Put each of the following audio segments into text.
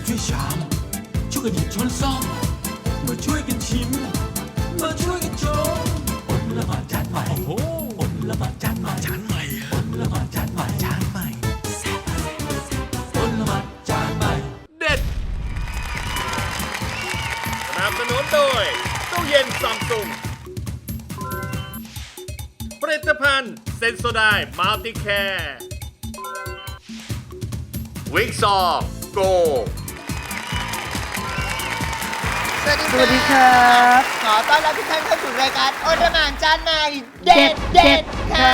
ช่วยชามช่วยกันหยิบช้อนซ่อมมาช่วยกันชิมมาช่วยกันชมอดละหมาดจานใหม่อดละหมาดจานใหม่อดละหมาดจานใหม่อดละหมาดจานใหม่เด็ดสนับสนุนโดยตู้เย็นซัมซุงผลิตภัณฑ์เซนโซไดมัลติแคร์วิกซอร์โกสวัสดีครับขอต้อนรับทุกท่านเข้าสู่รายการโอรหมานจานใหม่เด็ดค่ะ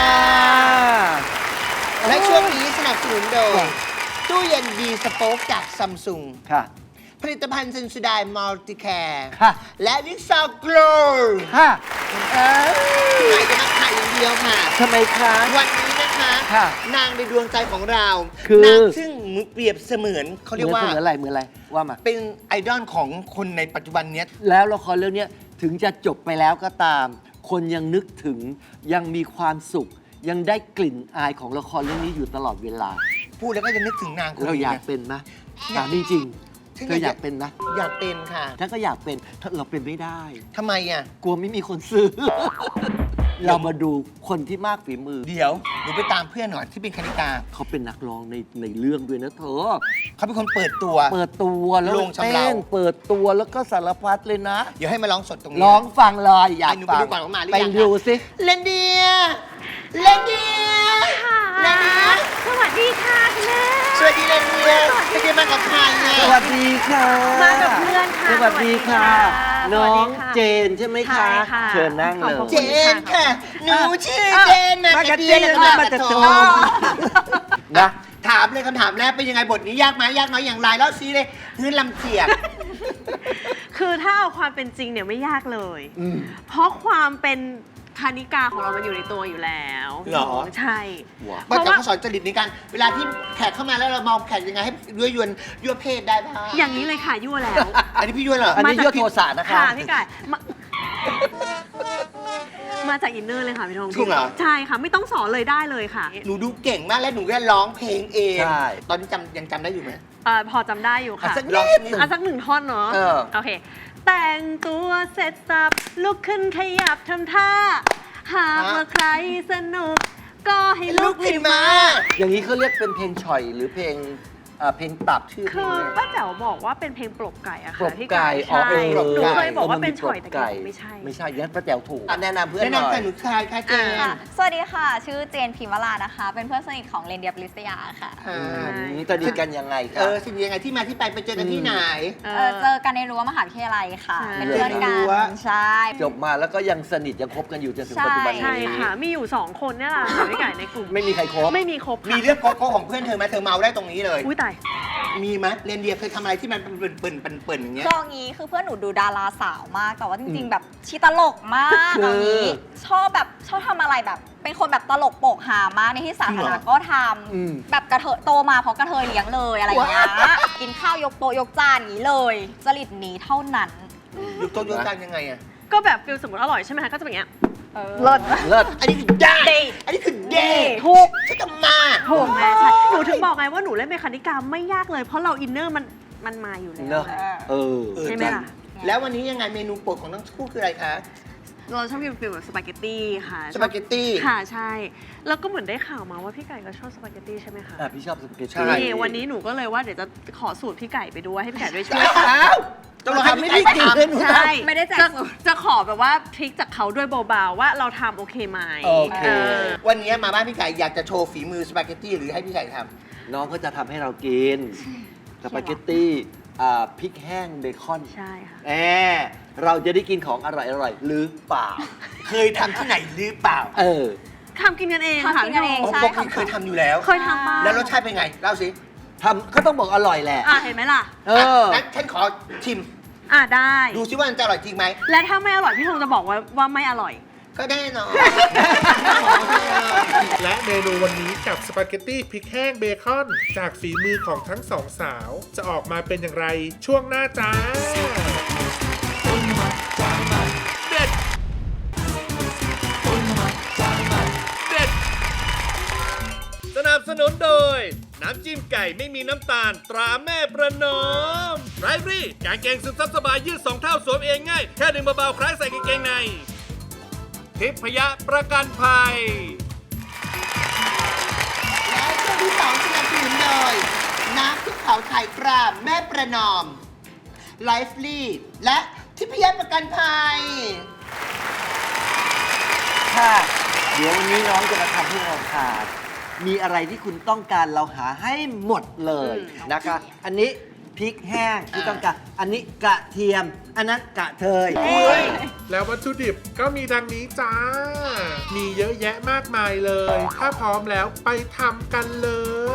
และช่วงนี้สนับสนุนโดยตู้เย็นดีสโป๊กจากซัมซุงค่ะผลิตภัณฑ์เซนสุดายมัลติแคร์ค่ะและวิกซอร์โกลค่ะไหนจะมาขายอย่างเดียวค่ะทำไมคะวันนี้นะคะนางในดวงใจของเราคือนางซึ่งเปรียบเสมือนเขาเรียกว่าเหมือนอะไรว่ามาเป็นไอดอลของคนในปัจจุบันนี้แล้วละครเรื่องนี้ถึงจะจบไปแล้วก็ตามคนยังนึกถึงยังมีความสุขยังได้กลิ่นอายของละครเรื่องนี้อยู่ตลอดเวลาพูดแล้วก็จะนึกถึงนางคนนี้เราอยากเป็นไหมถามจริงเธออยากเป็นนะอยากเป็นค่ะฉันก็อยากเป็นเราเป็นไม่ได้ทำไมอ่ะกลัวไม่มีคนซื้อ เรามาดูคนที่มากฝีมือเดี๋ยวหนูไปตามเพื่อนหน่อยที่เป็นคณิกาเขาเป็นนักร้องในเรื่องด้วยนะเธอเขาเป็นคนเปิดตัวแล้วลงเต้นเปิดตัวแล้วก็สารพัดเลยนะเดี๋ยวให้มาร้องสดตรงนี้ร้องฟังเลยอยากฟังไปดูก่อนว่ามาหรือยังไปดูสิเลนเดียค่ะสวัสดีค่ะคุณแม่สวัสดีเลนเดียไม่ได้มากับใครเนี่ยสวัสดีค่ะมากับเพื่อนค่ะสวัสดีค่ะน้องเจนใช่ไหมคะเชิญนั่งเลยเจนค่ะหนูชื่อเจนนะกับเจนมาจากโจมนะถามเลยคำถามแรกเป็นยังไงบทนี้ยากไหมยากน้อยอย่างไรแล้วซีเลยพื้นลำเจียกคือถ้าเอาความเป็นจริงเนี่ยไม่ยากเลยเพราะความเป็นคณิกาของเรามันอยู่ในตัวอยู่แล้วหรอใช่เพราะว่าเขาสอนจริตในการเวลาที่แขกเข้ามาแล้วเรามองแขกยังไงให้ยั่วเพศได้บ้างอย่างนี้เลยค่ะยั่วแล้วอันนี้พี่ยั่วเหรออันนี้ยั่วโทสะนะคะค่ะพี่ไก่มาจากอินเนอร์เลยค่ะพี่ธงจริงเหรอใช่ค่ะไม่ต้องสอนเลยได้เลยค่ะหนูดูเก่งมากและหนูก็ร้องเพลงเองตอนนี้ยังจำได้อยู่ไหมพอจำได้อยู่ค่ะสักหนึ่งท่อนเนาะโอเคแต่งตัวเสร็จสับลุกขึ้นขยับทำท่าหากว่าใครสนุกก็ให้ลุกขึ้นมาอย่างนี้เขาเรียกเป็นเพลงฉ่อยหรือเพลงตับชื่อคือป้าแจ๋วบอกว่าเป็นเพลงปลกไก่อะค่ะพี่ไก่ใช่หนูเคยบอกว่าเป็นฉ่อยแต่ไม่ใช่ยันป้าแจ๋วถูกแนะนำเพื่อนหน่อยแนะนำหนูชายค่ะเจนสวัสดีค่ะชื่อเจนพิมวรานะคะเป็นเพื่อนสนิทของเรนเดียปริศยาค่ะสนิทกันยังไงครับสนิทยังไงที่มาที่ไปเจอกันที่ไหนเจอกันในรั้วมหาวิทยาลัยค่ะเป็นเพื่อนกันใช่จบมาแล้วก็ยังสนิทยังคบกันอยู่จนถึงปัจจุบันนี้ใช่ค่ะมีอยู่2คนเนี่ยแหละพี่ไก่ในกลุ่มไม่มีใครคบไม่มีคบมีเรื่องโกโก้ของเพื่อนเธอไหมเธอเมาได้ตรงนี้เลยอุ้ยตายมีไหมเรนเดียเคยทำอะไรที่มันเปิ่นอย่างเงี้ยตรงนี้คือเพื่อนหนูดูดาราสาวมากแต่ว่าจริงๆแบบชีตลกมากตรงนี้ชอบทำอะไรแบบเป็นคนแบบตลกโปกฮามากในที่สาธารณะก็ทำแบบกระเทยโตมาเพราะกระเทยเลี้ยงเลยอะไรอย่างเงี้ยกินข้าวยกโต๊ะยกจานอย่างนี้เลยจริตนี้เท่านั้นยกโต๊ะยกจานยังไงอะก็แบบฟิลสมมติอร่อยใช่ไหมคะก็จะเป็นอย่างเงี้ยเลิศอันนี้คือได้อันนี้คือเดถูกฉันจะมาถูกแม่ใช่หนูถึงบอกไงว่าหนูเล่นเมคานิกาไม่ยากเลยเพราะเราอินเนอร์มันมาอยู่แล้วใช่ไหมล่ะแล้ววันนี้ยังไงเมนูโปรดของทั้งคู่คืออะไรคะเราชอบกินฟิลแบบสปาเกตตี้ค่ะสปาเกตตี้ค่ะใช่แล้วก็เหมือนได้ข่าวมาว่าพี่ไก่ก็ชอบสปาเกตตี้ใช่ไหมคะพี่ชอบสปาเกตตี้วันนี้หนูก็เลยว่าเดี๋ยวจะขอสูตรพี่ไก่ไปด้วยให้พี่ไก่ด้วยช่วยต้องทำไม่ได้กินเลยใช่ไม่ได้แจกสูตรจะขอแบบว่าทริคจากเขาด้วยเบาๆว่าเราทำโอเคไหมโอเควันนี้มาบ้านพี่ไก่อยากจะโชว์ฝีมือสปาเกตตี้หรือให้พี่ไก่ทำน้องก็จะทำให้เรากินสปาเกตตี้พริกแห้งเบคอนใช่ค่ะเราจะได้กินของอร่อยๆหรือเปล่าเคยทำที่ไหนหรือเปล่าทำกินกันเองค่ะกินกันเองใช่ปกติเคยทำอยู่แล้วเคยทำบ้างแล้วรสชาติเป็นไงเล่าสิทำก็ต้องบอกอร่อยแหละเห็นไหมล่ะงั้นฉันขอชิมได้ดูซิว่ามันจะอร่อยจริงไหมและถ้าไม่อร่อยพี่ธงจะบอกว่าไม่อร่อยก็แน่นอนและเมนูวันนี้กับสปาเกตตี้พริกแห้งเบคอนจากฝีมือของทั้งสองสาวจะออกมาเป็นอย่างไรช่วงหน้าจ้าเด็ดสนับสนุนโดยน้ำจิ้มไก่ไม่มีน้ำตาลตราแม่ประนอมไรฟรี่กางเกงซึมซับสบายยืด2 เท่าสวมเองง่ายแค่ดึงเบาๆคล้ายใส่กางเกงในทิพยะประกันภัยและช่วงที่สองสนับสนุนโดยน้ำพริกเผาไทยตราแม่ประนอมไลฟ์ลีดและทิพยประกันภัยค่ะเดี๋ยววันนี้น้องจะมาทำให้เราทานมีอะไรที่คุณต้องการเราหาให้หมดเลยนะคะ อันนี้พริกแห้งที่ต้องการ อันนี้กระเทียม อันนั้นกระเทยแล้ววัตถุดิบก็มีดังนี้จ้า มีเยอะแยะมากมายเลย ถ้าพร้อมแล้วไปทำกันเลย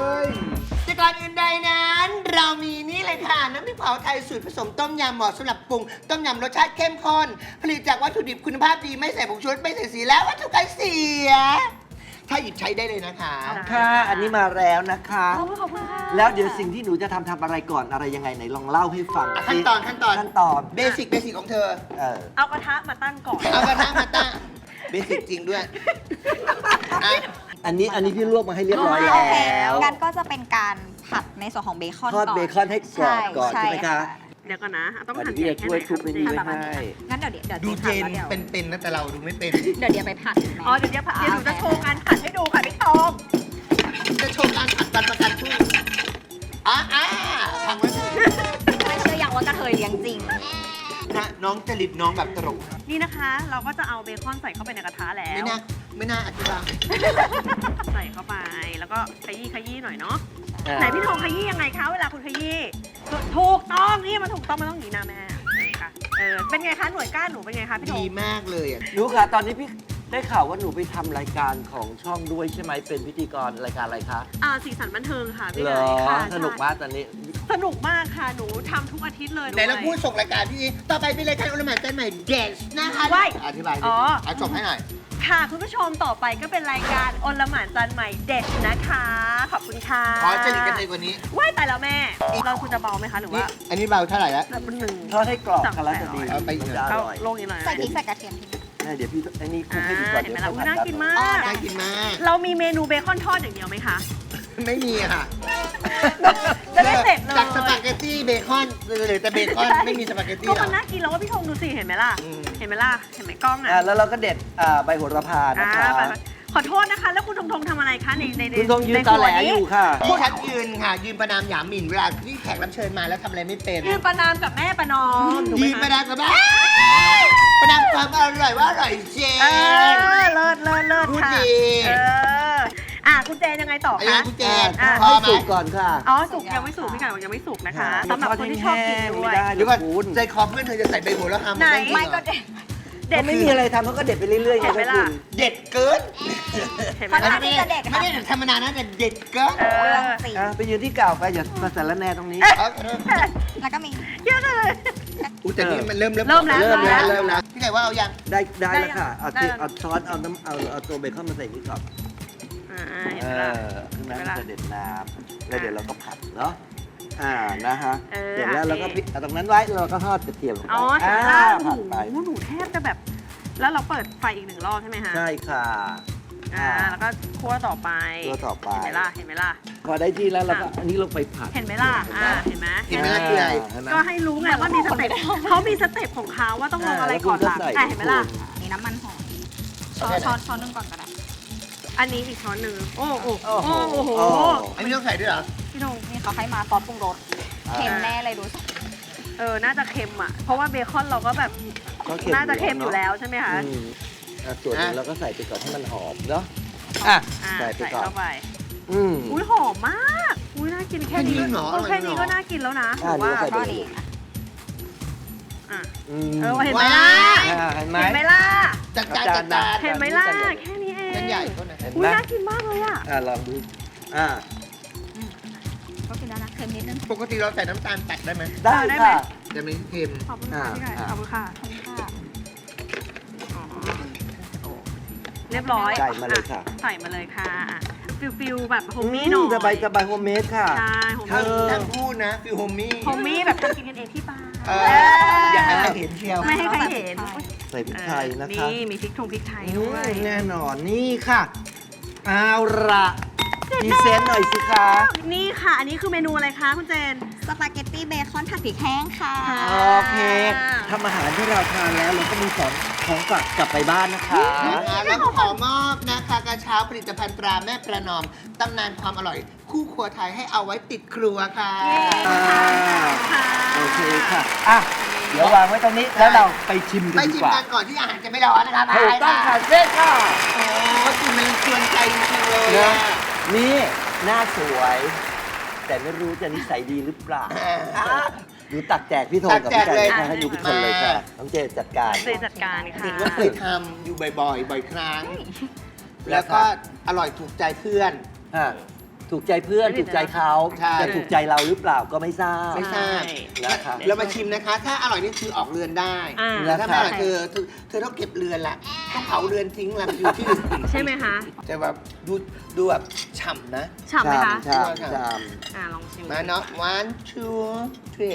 แต่ก่อนอื่นใดนั้น เรามีนี่เลยค่ะ น้ำพริกเผาไทยสูตรผสมต้มยำเหมาะสำหรับปรุง ต้มยำรสชาติเข้มข้น ผลิตจากวัตถุดิบคุณภาพดีไม่ใส่ผงชูรสไม่ใส่สีและวัตถุกันเสีย ถ้าหยิบใช้ได้เลยนะคะค่ะ อันนี้มาแล้วนะคะขอบคุณค่ะแล้วเดี๋ยวสิ่งที่หนูจะทำอะไรก่อนอะไรยังไงไหนลองเล่าให้ฟังขั้นตอนขั้นตอนเบสิกของเธอเอากระทะมาตั้งก่อนเอากระทะมาตั้งเบสิกจริงด้วยอ่ะอันนี้พี่ลวกมาให้เรียบร้อยโอเคแล้วงั้นก็จะเป็นการผัดในส่วนของเบคอนทอดก่อนเบคอนให้กรอบก่อนใช่ไหมคะเดี๋ยวก่อนนะต้องเดี๋หั่ยวน พี่ใหญ่จะแค่ช่ไหวยนทุบในนี้ไว้ให้งั้นเดี๋ยวดูเจนผัดแล้วเป็นๆนะแต่เราดูไม่เป็นเดี๋ยวไปผัดอ๋อเดี๋ยวหนูจะโชว์การผัดให้ดูค่ะพี่ตองจะโชว์การผัดบันประกันพรุ่งทำไว้เลยไม่เชื่อยังว่ากระเทยเลี้ยงจริงนะน้องจริตน้องแบบตลกนี่นะคะ เราก็จะเอาเบคอนใส่เข้าไปในกระทะแล้วไม่น่าอธิบายใส่เข้าไปแล้วก็ขยี้หน่อยเนาะไหนพี่ทองขยี้ยังไงคะเวลาคุณขยี้ถูกต้องนี่มันถูกต้องมันต้องอย่างนี้นะแม่ค่ะเป็นไงคะหน่วยก้านหนูเป็นไงคะพี่ทดีองมากเลยอ่ะหนูค่ะตอนนี้พี่ได้ข่าวว่าหนูไปทำรายการของช่องด้วยใช่ไหมเป็นพิธีกรรายการอะไรคะสีสันบันเทิงค่ะพี่เหรเลอยค่ะสนุกมากตอนนี้สนุกมากค่ะหนูทำทุกอาทิตย์เลยไหนเราพูดส่งรายการพี่ต่อไปเป็นรายการอุลหมานใจใหม่เดสนะคะว้ายอธิบายดิอ๋อเอาจบให้หน่อยค่ะคุณผู้ชมต่อไปก็เป็นรายการอลหม่านจันใหม่เด็ดนะคะ ขอบคุณค่ะขอจริตกันเลยกว่านี้ว้ายแต่แล้วแม่เราคุณจะเบาไหมคะหรือนี่ว่าอันนี้เบาเท่าไหร่แล้วแบบหนึ่งทอดให้กรอบกันแล้วจะดีเอาไปอีกหน่อยจะอเอาร่อยลงอีกหน่อยใส่พริกใส่กระเทียมทิ้งเดี๋ยวพี่อันนี้คลุกให้ดีกว่าเห็นไหมเดี๋ยวล่ะอุ๊ยน่ากินมากน่ากินมากเรามีเมนูเบคอนทอดอย่างเดียวไหมคะไม่มีค่ะจะได้เสร็จเลยจากสปาเกตตี้เบคอนเหลือแต่เบคอนไม่มีสปาเกตตี้ก็หรมัอนน่ากินแล้วว่าพี่ธงดูสิเห็นไหมล่ะอืมเห็นไหมล่ะเห็นไหมกล้องอ่ะแล้วเราก็เด็ดใบโหระพานะคะไปขอโทษนะคะ แล้วคุณธงทำอะไรคะในคุณต้องยืนในตอแหลครัวนี้อยู่ค่ะที่ฉันยืนค่ะ ยืนประนามหยามหมิ่นเวลาที่แขกรับเชิญมาแล้วทำอะไรไม่เป็นยืนประนามกับแม่ประนอมถูกไหมยืนประคะนามกับบ้าประนามความอร่อยว่าอร่อยเจนเลิศพูดค่ะดีคุณเจนยังไงต่อไอ้ยัคะงคุณเจนอ่ะพอให้ไหมสุกก่อนค่ะอ๋อสุกยังไม่สุกพี่ไก่บอกยังไม่สุกนะคะสำหรับคนที่ชอบกินด้วยไม่ได้เดี๋ยวก่อนใจคอเพื่อนเธอจะใส่ใบโหระพาไหนไม่ก็เด็ดเด็ดเขาไม่มีอะไรทำเขาก็เด็ดไปเรื่อยๆเห็นไหมล่ะเด็ดเกินเห็นไหมมันล่ะน่าที่จะเด็ดไม่ได้เด็ดธรรมดานะแต่เด็ดเกินเรื่องจริงไปยืนที่เก่าไปอย่ามาสารแหน่ตรงนี้แล้วก็มีเยอะเลยอุ้แต่นี่มันเริ่มเริ่มแล้วพี่ไก่ว่าเอายังได้แล้วค่ะ เอาได้แล้วเอาช้อนเอาน้ำเอาตัวเบคอนมาใส่นี่ก่อนเห็นไหมล่ะขึ้นมาเห็นไหมล่ะจะเด็ดน้ำแล้วเดี๋ยวเราก็ผัดเนาะนะฮะเสเสร็ร็จจแล้แล้ว วเราเราก็ก็เอาตรงนั้นไว้เราก็ทอดกระเทียมลงไปอ๋อเห็นไหมล่ะผัดไปหนูแทบจะแบบ แล้วเราเปิดไฟอีกหนึ่งรอบใช่ไหมคะใช่ค่ะแล้วก็คั่วต่อไปคั่วต่อไปเห็นไหมล่ะ เห็นไหมล่ะพอได้ที่แล้วเราก็อันนี้ลงไปผัดเห็นไหมล่ะ เห็นไหมเห็นไหมล่ะคืออะไรเห็นไหมก็ให้รู้ไงว่ามีสเต็ปเขามีสเต็ปของเขาว่าต้องลงอะไรก่อนหลังแล้วคุณก็ใส่เห็นไหมล่ะนี่น้ำมันหอยช้อนหนึงก่อนก็ได้อันนี้อีกช้อนหนึ่งโอ้โหโอ้โหโอ้โหอันนี้ต้องใส่ด้วยเหรอพี่ธงนี่เขาให้มาซอสปรุงรสเค็มแน่เลยดูสิน่าจะเค็มอ่ะ เพราะว่าเบคอนเราก็แบบก็น่าจะเค็มอยู่แล้วใช่ไหมคะส่วนหนึงเราก็ใส่ไปก่อนให้มันหอมเนาะ ใส่ไปใส่ก่อนเข้าไปอืมอุ้ยหอมมาก อุ้ยน่ากินแค่นี้แค่นี้เหรอแค่นี้ก็น่ากินแล้วนะหรือว่าใส่ก็ไปดีอ่ะอืมเห็นไหมล่ะเห็นไหมเห็นไหมล่ะจัดจานจัดจานเห็นไหมล่ะ แค่นี้เองนั่นใหญ่เท่านั้นเห็นอุ้ไหยมน่ากินมากเลยอ่ะลองดูก็กินแล้วนะเค็มนิดนึงปกติเราใส่น้ำตาลตัดได้ไหมได้ได้ไหมค่ะจะไม่เค็มขอบคุณค่ะพี่ไก่ขอบคุณค่ะค่ะเรียบร้อยใส่มาเลยค่ะใส่มาเลยค่ะฟิลแบบโฮมมี่หน่อยสบายสบายโฮมเมดค่ะใช่โฮมทั้งมี่ทั้งพูดนะฟิลโฮมมี่โฮมมี่แบบทำกินกันเองที่บ้านอยากให้ใครเห็นเชียวไม่ให้ใครเห็นใส่พริกไทยนะคะนี่มีพริกไทยด้วยแน่นอนนี่ค่ะ เอาละพรีเซนต์หน่อยสิคะนี่ค่ะ อันนี้คือเมนูอะไรคะคุณเจนสปาเกตตี้เบคอนผัดพริกแห้งค่ะโอเคทำอาหารที่เราทานแล้วเราก็มีของฝากกลับไปบ้านนะคะแล้วก็ขอมอบนะคะกระเช้าผลิตภัณฑ์ตราแม่ประนอมตำนานความอร่อย คู่ครัวไทยให้เอาไว้ติดครัวค่ะโอเคค่ะอ่ะ เดี๋ยววางไว้ตรงนี้แล้วเราไปชิมกัไปนดีชิมกว่ากันก่อนที่อาหารจะไม่ร้อนนะคะถูกต้องค่ะเจ๊ค่ะโอ้กินมันชวนใจจริงๆเลยนะอะนี่หน้าสวย แต่ไม่รู้จะนิสัยดีหรือเปล่าดูตักแจกพี่โทนกับพี่ไก่ให้ดูทุกคนเลยค่ะน้องเจจัดการเจนจัดการค่ะเห็นว่าเคยทำอยู่บ่อยๆ บ่อยครั้ง แล้วก็อร่อยถูกใจเพื่อนฮะถูกใจเพื่อนถูกใจเขาใช่จะถูกใจเราหรือเปล่าก็ไม่ทราบไม่ทราบนะคะเรามาชิมนะคะ ถ้าอร่อยนี่คือออกเรือนได้อ่าแต่ถ้าไม่อร่อยเธอต้องเก็บเรือนละต้องเผาเรือนทิ้งละอยู่ที่อื่นใช่ไหมคะแต่แบบดูแบบฉ่ำนะฉ่ำไหมคะชามชามลองชิมมาเนาะ one two three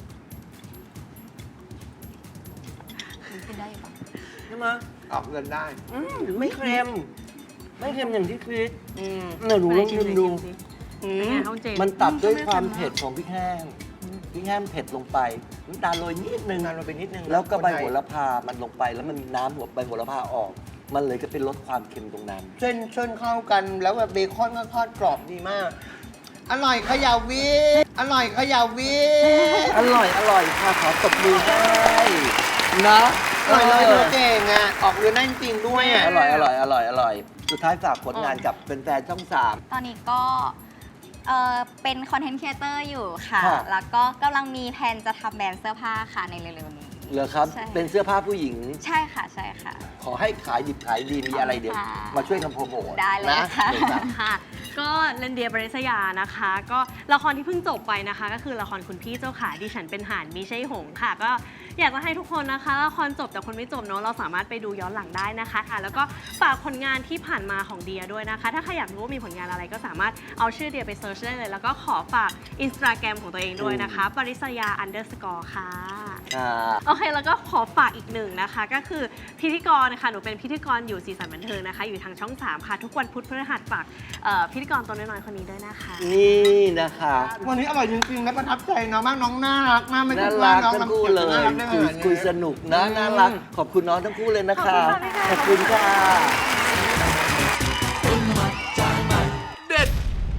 กินได้อยู่ปะใช่ไหมออกเรือนได้ไม่เค็ม ไม่เค็มอย่างที่คิดอืมเนี่ยหนูลองชิมดูอืมเป็นไงคะคุณเจนมันตัดด้วยความเผ็ดของพริกแห้งพริกแห้งเผ็ดลงไปน้ำตาลโรยนิดนึงนานลงไปนิดนึงแล้วก็ใบคนไทยโหระพามันลงไปแล้วมันมีน้ำหัวใบโหระพาออก มันเลยก็เป็นลดความเค็มตรงนั้นเส้นเข้ากันแล้วแบบเบคอนก็ทอดกรอบดีมาก อร่อยเขยาวิอร่อยเขยาวิอร่อยค่ะขอตบมือให้นะอร่อยเลยเธอเก่งอ่ะ ออกเรือนได้จริงๆด้วยอ่ะอร่อยสุดท้ายฝากผลงานกับแฟนๆช่อง 3 ตอนนี้ก็เป็นคอนเทนต์ครีเอเตอร์อยู่ค่ะค่ะแล้วก็กำลังมีแผนจะทำแบรนด์เสื้อผ้าค่ะในเร็วๆนี้เหรอครับใช่เป็นเสื้อผ้าผู้หญิงใช่ค่ะ ใช่ค่ะขอให้ขายดิบขายดีมีอะไรเดี๋ยวค่ะมาช่วยกันโปรโมทได้เลยนะค่ะเดี๋ยวครับค่ะ ก็เรนเดียบริษยานะคะ ก็ละครที่เพิ่งจบไปนะคะ ก็คือละครคุณพี่เจ้าขาดิฉันเป็นห่านมิใช่หงส์ค่ะ ก็อยากจะให้ทุกคนนะคะละครจบแต่คนไม่จบเนาะเราสามารถไปดูย้อนหลังได้นะคะค่ะแล้วก็ฝากผลงานที่ผ่านมาของเดียด้วยนะคะ ถ้าใครอยากรู้ว่ามีผลงานอะไรก็สามารถเอาชื่อเดียไปเซิร์ชได้เลย แล้วก็ขอฝาก Instagram ของตัวเองด้วยนะคะปริษยา _ ค่ะ โอเค แล้วก็ขอฝากอีกหนึ่งนะคะ ก็คือพิธีกรนะคะหนูเป็นพิธีกรอยู่สีสันบันเทิงนะคะ อยู่ทางช่อง 3 ค่ะ ทุกวันพุธพฤหัสฝากพิธีกรตัวน้อยๆคนนี้ด้วยนะคะนี่นะคะวันนี้อร่อยจริงๆและประทับใจน้องมากน้องน่ารักมากไม่น่าคิดรัว่าก น้องทั้งคู่เลยน่ารักได้ขนาดนี้คุยสนุกนะน่ารัก ขอบคุณน้องทั้งคู่เลยนะคะ ขอบคุณค่ะเด็ด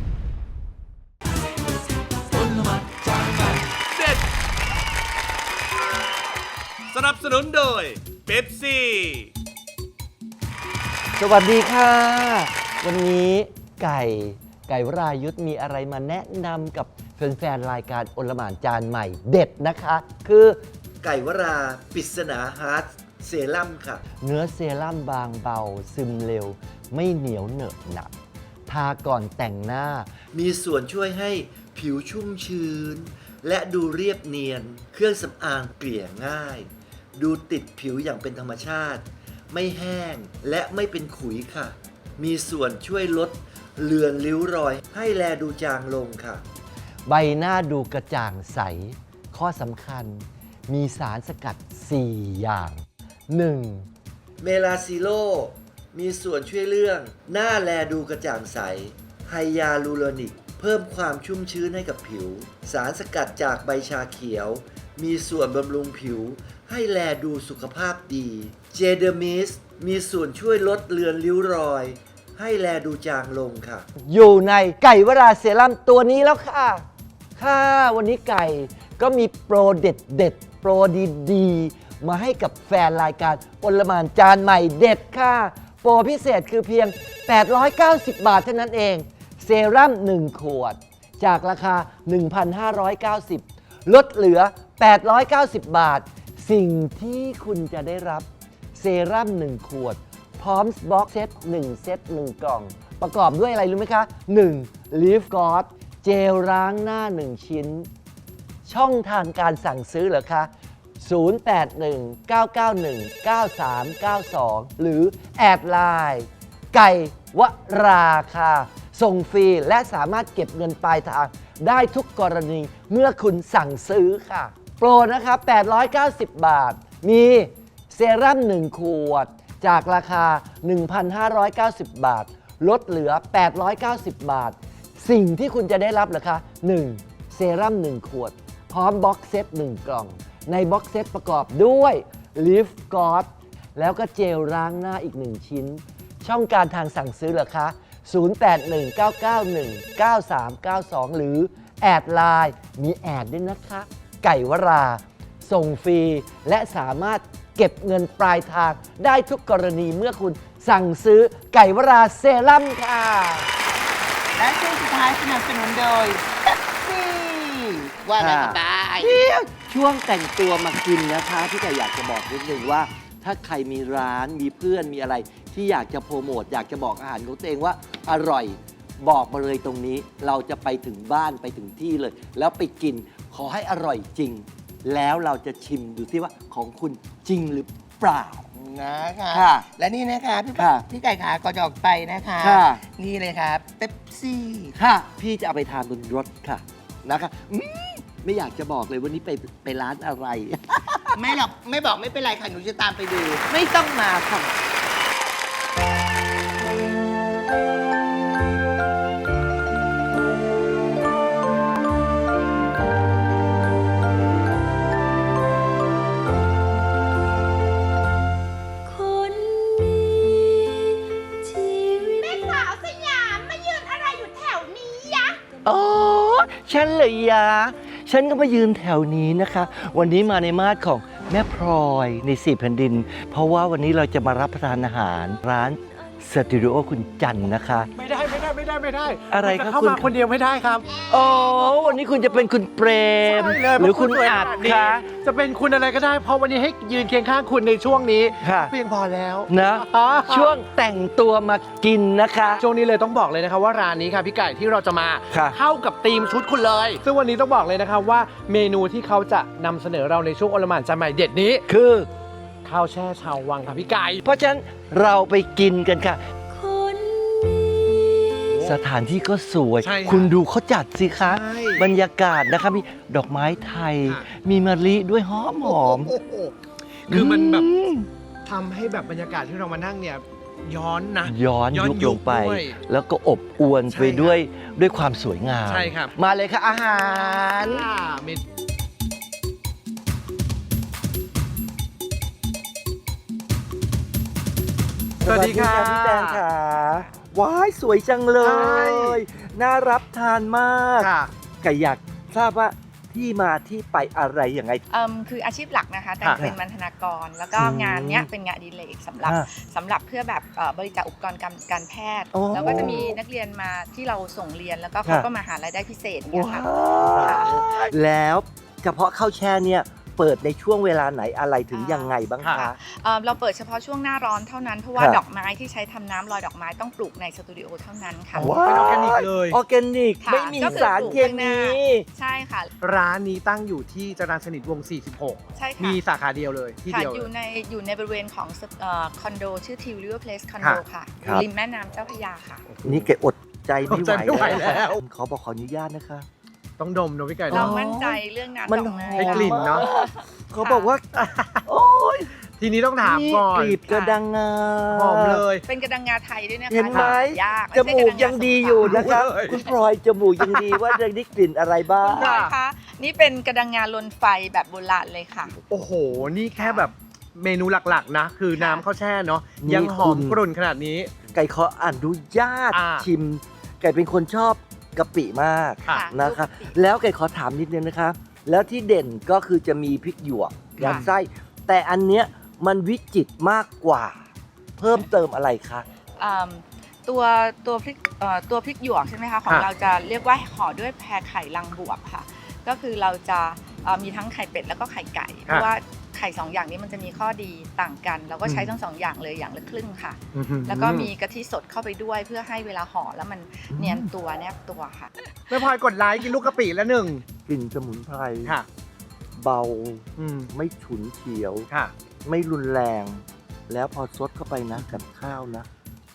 เด็ด สนับสนุนโดยเป๊ปซี่สวัสดีค่ะ วันนี้ไก่วรายุทธมีอะไรมาแนะนำกับแฟนๆรายการโอลหม่านจานใหม่เด็ดนะคะ คือไก่วราปริศนาฮาร์ดเซรั่มค่ะ เนื้อเซรั่มบางเบาซึมเร็ว ไม่เหนียวเหนอะหนัก ทาก่อนแต่งหน้า มีส่วนช่วยให้ผิวชุ่มชื้น และดูเรียบเนียน เครื่องสำอางเกลี่ยง่าย ดูติดผิวอย่างเป็นธรรมชาติ ไม่แห้งและไม่เป็นขุยค่ะ มีส่วนช่วยลดเลือนริ้วรอย ให้แลดูจางลงค่ะ ใบหน้าดูกระจ่างใส ข้อสำคัญ มีสารสกัด 4 อย่าง 1. เมลาซิโล มีส่วนช่วยเรื่องหน้าแลดูกระจ่างใส ไฮยาลูโรนิก เพิ่มความชุ่มชื้นให้กับผิว สารสกัดจากใบชาเขียว มีส่วนบำรุงผิว ให้แลดูสุขภาพดี เจเดอร์มิส มีส่วนช่วยลดเลือนริ้วรอย ให้แลดูจางลงค่ะ อยู่ในไก่วราเซรั่มตัวนี้แล้วค่ะ วันนี้ไก่ก็มีโปรเด็ดโปรดีๆ มาให้กับแฟนรายการโอลหม่านจานใหม่เด็ดค่ะ โปรพิเศษคือเพียง 890 บาทเท่านั้นเอง เซรั่ม 1 ขวด จากราคา 1,590 ลดเหลือ 890 บาท สิ่งที่คุณจะได้รับเซรั่ม 1 ขวด พร้อมบ็อกเซต 1 เซต 1 กล่อง ประกอบด้วยอะไรรู้ไหมคะ 1. Leaf God เจลล้างหน้า 1 ชิ้น ช่องทางการสั่งซื้อเหรอคะ 0819919392 หรือแอดไลน์ไก่วราค่ะ ส่งฟรีและสามารถเก็บเงินปลายทางได้ทุกกรณีเมื่อคุณสั่งซื้อค่ะ โปรนะคะ890 บาท มีเซรั่ม 1 ขวด จากราคา 1,590 บาทลดเหลือ 890 บาท สิ่งที่คุณจะได้รับเหรอคะ 1. เซรั่ม 1 ขวด พร้อมบ็อกเซต 1 กล่อง ในบ็อกเซตประกอบด้วยลิฟกอดแล้วก็เจลล้างหน้าอีก 1 ชิ้น ช่องการทางสั่งซื้อเหรอคะ 0819919392 หรือแอดไลน์มีแอดด้วยนะคะ ไก่วรา ส่งฟรี และสามารถเก็บเงินปลายทางได้ทุกกรณีเมื่อคุณสั่งซื้อไก่วราเซรั่มค่ะและช่วงสุดท้ายสนับสนุนโดยเป๊ปซี่ว่าอะไรกันได้ช่วงแต่งตัวมากินนะคะพี่ไก่อยากจะบอกนิดนึงว่า ถ้าใครมีร้านมีเพื่อนมีอะไร ที่อยากจะโปรโมทอยากจะบอกอาหารของตัวเองว่าอร่อยบอกมาเลยตรงนี้ เราจะไปถึงบ้านไปถึงที่เลย แล้วไปกินขอให้อร่อยจริง แล้วเราจะชิมดูที่ว่าของคุณจริงหรือเปล่านะคะค่ะและนี่นะคะพี่ค่ะพี่ไก่ขาก่อนจะออกไปนะคะค่ะนี่เลยครับเป๊ปซี่ค่ะ พี่จะเอาไปทานบนรถค่ะนะคะไม่อยากจะบอกเลยวันนี้ไปร้านอะไรไม่หรอกไม่บอกไม่เป็นไรค่ะ หนูจะตามไปดูไม่ต้องมาค่ะคนมีชีวิตแม่สาวสยามมายืนอะไรอยู่แถวนี้ยะอ๋อ ฉันเลยยะ ฉันก็มายืนแถวนี้นะคะ วันนี้มาในมาดของแม่พลอยใน4แผ่นดิน เพราะว่าวันนี้เราจะมารับประทานอาหารร้านสตูดิโอคุณจันนะคะไม่ได้อะไรณครับจะเข้าคุณมาคนเดียวไม่ได้ครับอ๋อ วันนี้คุณจะเป็นคุณเปรมใช่เลยหรือคุณเพาะสวยอัดขนานี้คะจะเป็นคุณอะไรก็ได้ เพราะวันนี้ให้ยืนเคียงข้างคุณในช่วงนี้ค่ะเพียงพอแล้วนะอ๋อช่วงแต่งตัวมากินนะคะช่วงนี้เลยต้องบอกเลยนะครับว่าร้านนี้ค่ะพี่ไก่ที่เราจะมาค่ะเข้ากับธีมชุดคุณเลย ซึ่งวันนี้ต้องบอกเลยนะครับว่าเมนูที่เขาจะนำเสนอเราในช่วงโอลหม่านจานใหม่เด็ดนี้คือข้าวแช่ชาววังค่ะพี่ไก่เพราะฉะนั้นเราไปกินกันค่ะคนมีสถานที่ก็สวยใช่ค่ะคุณดูเขาจัดสิคะใช่บรรยากาศนะคะมีดอกไม้ไทยค่ะมีมะลิด้วยหอมโอ้โหคือมันแบบอืมทำให้แบบบรรยากาศที่เรามานั่งเนี่ยย้อนนะย้อนยุคลงไปด้วยแล้วก็อบอวนใช่ไปด้วยความสวยงามใช่ครับมาเลยค่ะอาหารเมน สวัสดีค่ะพี่แตงค่ะว้ายสวยจังเลใช่ย น่ารับทานมากค่ะไก่อยากทราบว่าที่มาที่ไปอะไรยังไงคืออาชีพหลักนะคะแต่ค่ะเป็นบรรณาการ แล้วก็อืมงานเนี้ยเป็นงานอดิเรกสำหรับอ่าสำหรับเพื่อแบบบริจาคอุปกรณ์การแพทย์โอ้แล้วก็จะมีนักเรียนมาที่เราส่งเรียนแล้วก็เขาค่ะก็มาหารายได้พิเศษเนี่ยว้าค่ะวแล้วเฉพาะข้าวแช่เนี่ยเปิดในช่วงเวลาไหนอะไรถึงยังไงบ้างคะค่ะเราเปิดเฉพาะช่วงหน้าร้อนเท่านั้น เพราะว่าค่ะดอกไม้ที่ใช้ทำน้ำลอยดอกไม้ต้องปลูกในสตูดิโอเท่านั้นค่ะว้าวเป็นออร์แกนิกเลยออร์แกนิกค่ะไม่มีก็คือสารปลูกเคข้างหน้ามีใช่ค่ะร้านนี้ตั้งอยู่ที่จรัญสนิทวงศ์ใช่ 46 ค่ะมีสาขาเดียวเลยที่ค่ะเดียวอยู่เลยอยู่ในบริเวณของคอนโดชื่อ Teal River Place คอนโดค่ะอครัยู่บริมแม่น้ำเจ้าพระยาค่ะนี่แกอดใจไม่อดใจไม่ไหวแล้วขอบอกขออนุญาตนะคะต้องดมนะพี่ไก่เราเนาะมั่นใจเรื่องน้ำมันดอกไม้ให้กลิ่นเนอะเขาบอกว่า โอ้ยทีนี้ต้องถามก่อนกลีบกระดังงาหอมเลยเป็นกระดังงาไทยด้วยนะคะเห็นไหมยากจมูกยังดีอยู่นะคะรู้เลยคุณพลอยจมูกยังดีว่าจะได้กลิ่นอะไรบ้างคุณพลอยคะนี่เป็นกระดังงาลนไฟแบบโบราณเลยค่ะโอ้โห นี่แค่แบบเมนูหลักๆนะ คือน้ำข้าวแช่เนาะนี่ยังหอมคุณกรุ่นขนาดนี้ไก่ขออนุญาตอ่าชิม ไก่เป็นคนชอบกะปิมากค่ะนะคะลูกกะปิแล้วไก่ขอถามนิดนึงนะคะ แล้วที่เด่นก็คือจะมีพริกหยวกยัดไส้ แต่อันเนี้ยมันวิจิตรมากกว่า เพิ่มเติมอะไรคะอืมตัวพริกหยวกใช่ไหมคะของค่ะเราจะเรียกว่าห่อด้วยแพรไข่ลังบวบค่ะ ก็คือเราจะมีทั้งไข่เป็ดแล้วก็ไข่ไก่ เพราะว่าไข่สองอย่างนี้มันจะมีข้อดีต่างกัน เราก็ใช้ทั้งสองอย่างเลยอย่างละครึ่งค่ะ แล้วก็มีกะทิสดเข้าไปด้วยเพื่อให้เวลาห่อแล้วมันเนียนตัวแนบตัวค่ะแม่พลอยกดไลค์กินลูกกะปิแล้วหนึ่งกลิ่นสมุนไพรค่ะเบาอืมไม่ฉุนเฉียวค่ะไม่รุนแรง แล้วพอซดเข้าไปนะกับข้าวนะ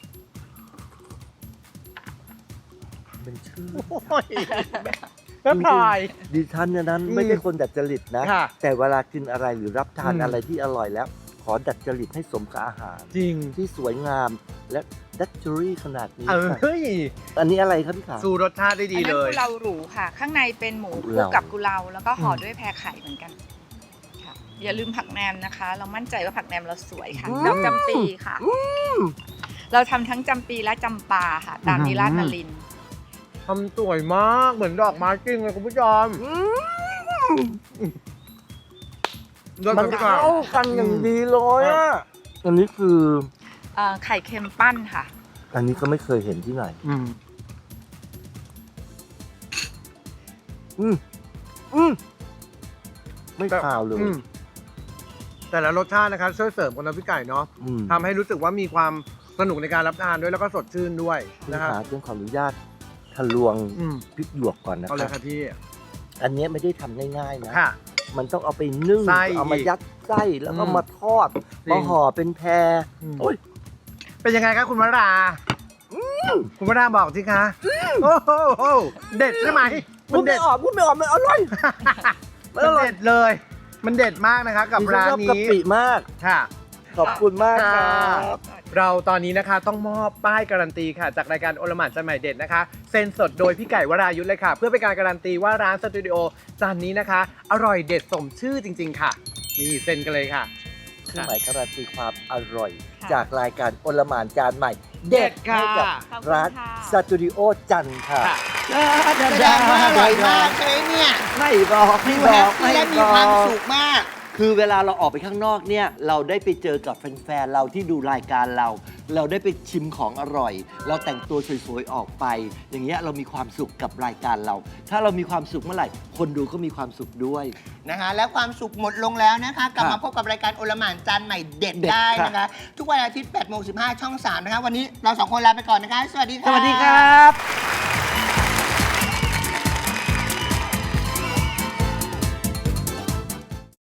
เป็นชื่อโอ้ยแม่พลอยดิฉันเนี่ยนั้นอืมไม่ใช่คนดัดจริตนะค่ะแต่เวลากินอะไรหรือรับทานอืมอะไรที่อร่อยแล้ว ขอดัดจริตให้สมกับอาหารจริงที่สวยงามและดัชเจอรี่ขนาดนี้เฮ้ยอันนี้อะไรครับพี่ขาสูรสชาติได้ดีอันเลนั้นยกุเลาหรูค่ะ ข้างในเป็นหมูคกุลุกเลากับกุเลาแล้วก็ห่อด้วยแพรไข่เหมือนกันค่ะอย่าลืมผักแหนมนะคะ เรามั่นใจว่าผักแหนมเราสวยค่ะดอกจำปีค่ะ เราทำทั้งจำปีและจำปาค่ะ ตามนิราชนลินทร์ทำสวยมาก เหมือนดอกไม้จริงเลยคุณผู้ชมมันเข้ากันอย่างดีเลยอ่ะ อันนี้คือไข่เค็มปั้นค่ะอันนี้ก็ไม่เคยเห็นที่ไหน อืมไม่คาวเลยแต่ละรสชาตินะครับช่วยเสริมกันนะพี่ไก่เนาะทำให้รู้สึกว่ามีความสนุกในการรับทานด้วยแล้วก็สดชื่นด้วยพี่นะครับขาต้องขออนุญาตทะลวงพริกหยวกก่อนนะเอาคเลรัยครับพี่อันนี้ไม่ได้ทำง่ายๆนะค่ะมันต้องเอาไปนึ่งไส้เอามายัดไส้แล้วก็มาทอดจริงมาห่อเป็นแพรโอ้ยเป็นยังไงครับคุณวราคุณวราบอกสิคะโอ้โหเด็ดใช่ไหมพูดไม่ออกมันอร่อยมันเด็ดเลย มันเด็ดมากนะคะกับร้านชอบนี้กะปิมากค่ะขอบคุณมากครับเราตอนนี้นะคะต้องมอบป้ายการันตีค่ะ จากรายการโอลหม่านจานใหม่เด็ดนะคะเซ็นสดโดยพี่ไก่วรายุทธเลยค่ะ เพื่อเป็นการการันตีว่าร้านสตูดิโอจานนี้นะคะ อร่อยเด็ดสมชื่อจริง ๆ ค่ะ นี่เซ็นกันเลยค่ะเครื่องหมายการันตีความอร่อยค่ะจากรายการโอลหม่านจานใหม่ เด็ดค่ะให้กับร้านสตูดิโอจันทร์ค่ะแสดงว่าอร่อยมากใช่ไหมเนี่ยไม่บอกดูไม่แฮบอปกปี้และมีความสุขมากคือเวลาเราออกไปข้างนอกเนี่ย เราได้ไปเจอกับแฟนๆเราที่ดูรายการเรา เราได้ไปชิมของอร่อย เราแต่งตัวสวยๆออกไป อย่างเงี้ยเรามีความสุขกับรายการเรา ถ้าเรามีความสุขเมื่อไหร่ คนดูก็มีความสุขด้วยนะคะและความสุขหมดลงแล้วนะคะ กลับค่ะมาพบกับรายการโอลหม่านจานใหม่เด็ดเด็ดได้ค่ะนะคะ ทุกวันอาทิตย์8:15 ช่อง 3 นะคะ วันนี้เรา 2 คนลาไปก่อนนะคะ สวัสดีค่ะสวัสดีค่ะ